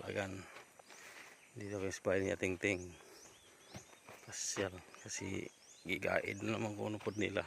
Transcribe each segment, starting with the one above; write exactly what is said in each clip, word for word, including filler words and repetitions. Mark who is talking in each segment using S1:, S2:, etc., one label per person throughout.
S1: Agan dito kay spy ni Ting Ting. Pasyal kasi gigaid naman kuno pod nila.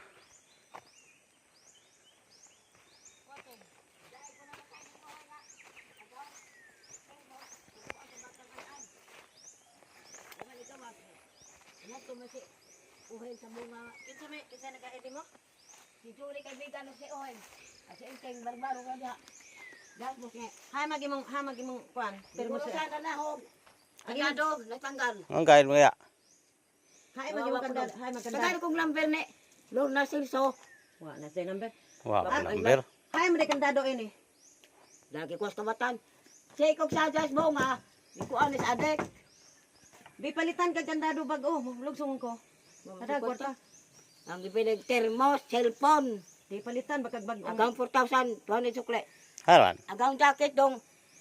S2: Uhen sa bunga. Kinsa may kinsa nagaidi mo? Si Julie kaibigan si Uhen. Kasi inteng barbaro ka diha. Dak mo kay.
S3: Hay magimong ha magimong kuan.
S2: Pero mo sa kanahog. Agado natanggal.
S1: Ang kain mo ya?
S3: Hay magimong kanda, hay magkanda.
S2: Tagay kong number ni Lorna Silso.
S3: Wa na say number.
S1: Wa pa number.
S3: Hay mo kandado ini.
S2: Lagi ko sa kabatan. Say kog sa jas bunga. Di ko anis adek.
S3: Di palitan kag kandado bag-o, lugsong ko. Kada kwarta.
S2: Ang gipilig termos, cellphone.
S3: Di palitan bakag bag-o.
S2: Agang four thousand, tuhan ni sukle.
S1: Haran.
S2: Agang jacket dong.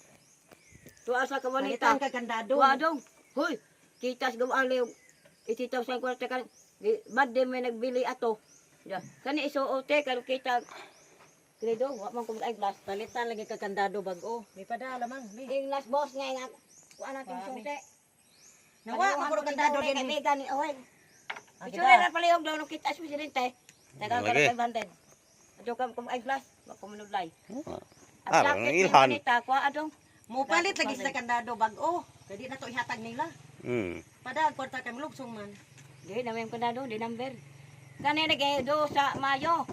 S2: Tuwa sa kawanita.
S3: Palitan kag kandado.
S2: Tuwa dong. Hoy, kitas gawaan yung ititaw sa kwarta kan. Bad din may nagbili ato. Ya, kani isuote karo kita. Kredo, wa man ko ay glass.
S3: Palitan lagi kag kandado bag-o. Di padala man. Di.
S2: Ing last boss nga nga. Kuan natin sute.
S3: Nawa man ko kandado din.
S2: Kaibigan ni Owen.
S3: Ah,
S2: Ito
S3: kita.
S2: na pala yung daw ng kita sa presidente. Tagang ka
S1: Lagi.
S2: na five hundred. Ato kam kum ay glass, wa ko manudlay.
S1: Ah, ang ilhan.
S2: Kuha adong.
S3: Mo palit lagi sa kandado bag-o. Kadi na to ihatag nila.
S1: Hmm.
S3: Padal kwarta kay lugsong man.
S2: Di na may kandado, di number. Kani nagay do sa Mayo.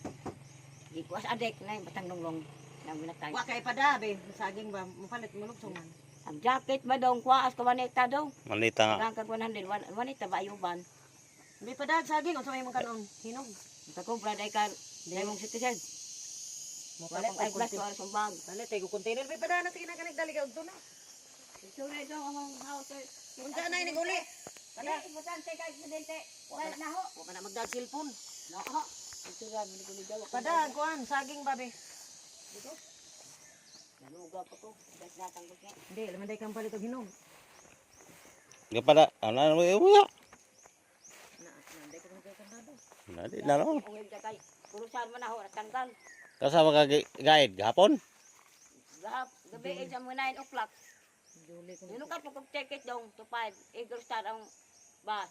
S2: Di ko as adek na batang longlong. Nang minatay.
S3: Wa kay pada be saging ba mo palit mo lugsong man.
S2: Ang jacket ba dong kuha as kawanita dong.
S1: Manita nga.
S2: Tagang kag one hundred, wan- wanita ba ayuban.
S3: Di pada saging unsa may mong kanon. Hinog.
S2: Takumpra day kan, day mong citizen.
S3: Mo
S2: Wala
S3: palit
S2: pang ay
S3: ay
S2: glass
S3: glass.
S2: ko sa bag.
S3: Palit ay ko container be pada na sige na kanig dali ka udto na.
S2: Ito na dong ang house.
S3: Unsa na ini uli?
S2: Kada importante kay presidente. Wala na ho.
S3: Wa na magdag cellphone.
S2: Nako. Ito ra mi ko ni daw.
S3: Pada kuan saging ba be.
S2: Dito. Naluga pa ko. Das natang ko kay.
S3: Hindi, laman day kang palit og hinog.
S1: Nga pada ana mo ya.
S3: Na, nanday ko kay kandado.
S1: Nadi na no.
S2: Uwing ka kay. Kurusan man ako natanggal.
S1: Kasama ka guide gahapon?
S2: Gahap, gabi ay sa mga nine o'clock.
S3: Duli ko.
S2: Yun ka pag ticket dong to five. Eagle Star ang bus.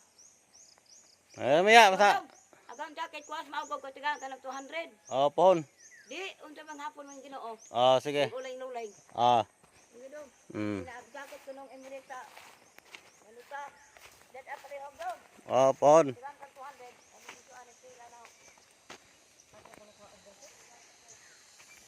S1: Eh maya basta.
S2: Agang jacket ko as maugog ko tigang ka ng two hundred.
S1: Oh, pohon.
S2: Di, unsa man hapon man Ginoo.
S1: Oh, sige.
S2: Ulay-ulay.
S1: Ah.
S2: Sige dong.
S1: Hmm.
S2: Ina jacket ko nung Emirata. Ano ka? That up rin hog dong.
S1: Oh, pohon.
S2: Tigang ka two hundred.